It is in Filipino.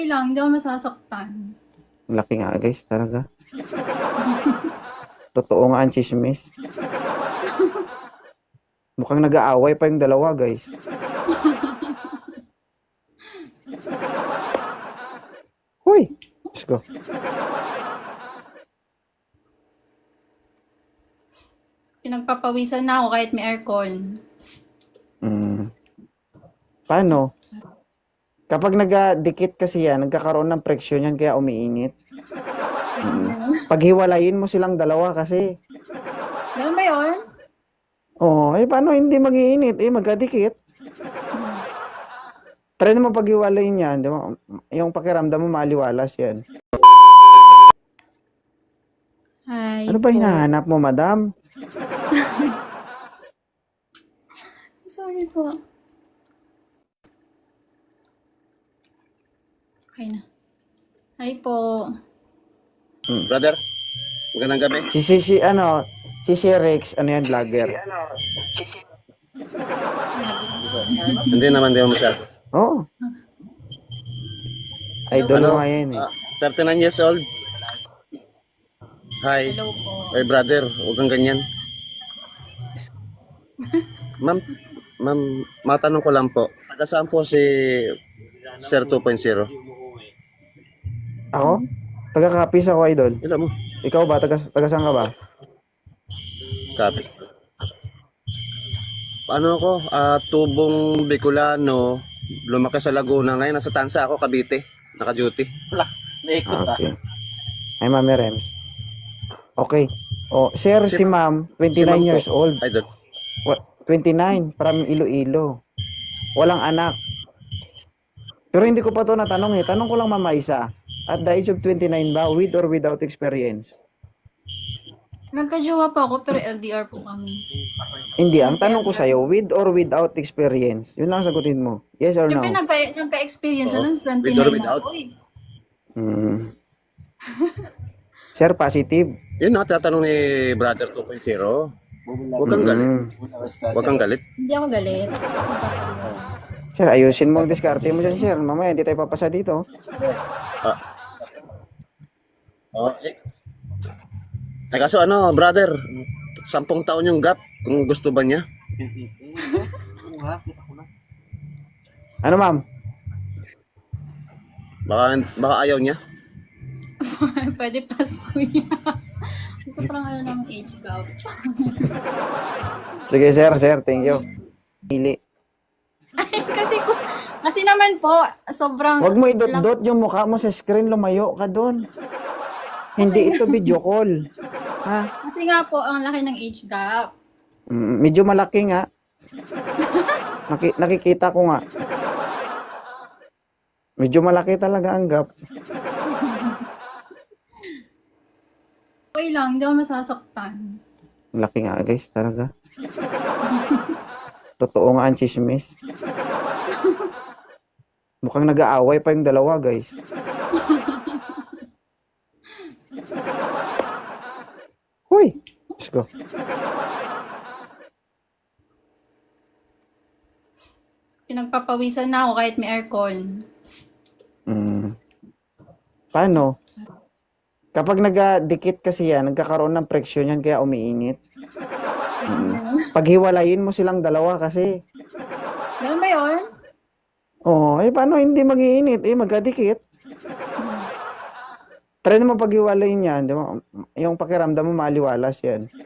Lang, hindi ako masasaktan. Laki nga guys, talaga. Totoo nga ang chismis. Mukhang nag-aaway pa yung dalawa guys. Hoy! Let's go. Pinagpapawisan na ako kahit may aircon. Paano? Kapag nagdikit kasi yan, nagkakaroon ng friction yan kaya umiinit. Paghiwalayin mo silang dalawa kasi. Ganun ba yun? Oh, paano hindi mag-iinit? Magkadikit. Try mo paghiwalayin yan, di ba? Yung pakiramdam mo maliwalas yan. Ay, Ano ba hinahanap mo, madam? Sorry po. Okay na. Hi po. Brother, magandang gabi. Si Rex, ano yan, vlogger? Hindi naman, di mo masyado. Oo. Idol mo nga yan eh. 39 years old. Hi. Hello po. Hey brother, huwag kang ganyan. Ma'am, matanong ko lang po. Taga saan po si Sir 2.0? Ako? Taga-Capiz ako, idol. Ilan mo? Ikaw ba? Taga saan ka ba? Copy. Paano ako? Tubong Bicolano, lumaki sa Laguna. Ngayon nasa Tansa ako, Cavite. Naka-duty. Okay. Ay, Mami Rems. Okay. Oh, sir, si ma'am, 29 years old. Idol. 29, from Iloilo. Walang anak. Pero hindi ko pa to natanong eh. Tanong ko lang mama isa. At the age of 29 ba, with or without experience? Nagka-jowa pa ako pero LDR po kami. Hindi, ang tanong ko sa'yo, with or without experience? Yun lang sagutin mo. Yes or no? Siyempre nagka-experience na ng With or 29 na without? ako eh. Sir, positive. Yun na, tatanong ni Brother 2.0. Huwag kang galit. Huwag kang galit. Hindi ako galit. Sir, ayusin mo ang diskarte mo dyan, sir. Mamaya, hindi tayo papasa dito. Kaso ano, brother, 10 taon yung gap kung gusto ba niya. Ano, ma'am? Baka ayaw niya. Pwede Pasko niya. Sobrang ng age gap. Sige, sir. Thank you. Pili. Kasi naman po, sobrang... Huwag mo idot-dot yung mukha mo sa screen. Lumayo ka doon. Hindi ito video call. Ha? Kasi nga po, ang laki ng age gap. Medyo malaki nga. Nakikita ko nga. Medyo malaki talaga ang gap. Okay lang, hindi ako masasaktan. Laki nga guys, talaga. Totoo nga ang chismis. Mukhang nag-aaway pa yung dalawa guys. Hoy! Let's go. Pinagpapawisan na ako kahit may aircon. Paano? Kapag nagdikit kasi yan, nagkakaroon ng friction yan kaya umiinit. Paghiwalayin mo silang dalawa kasi. Ganun ba yun? Oh, paano hindi mag-iinit? Magkadikit. Try mo paghiwalayin yan, di ba? Yung pakiramdam mo maliwalas yan.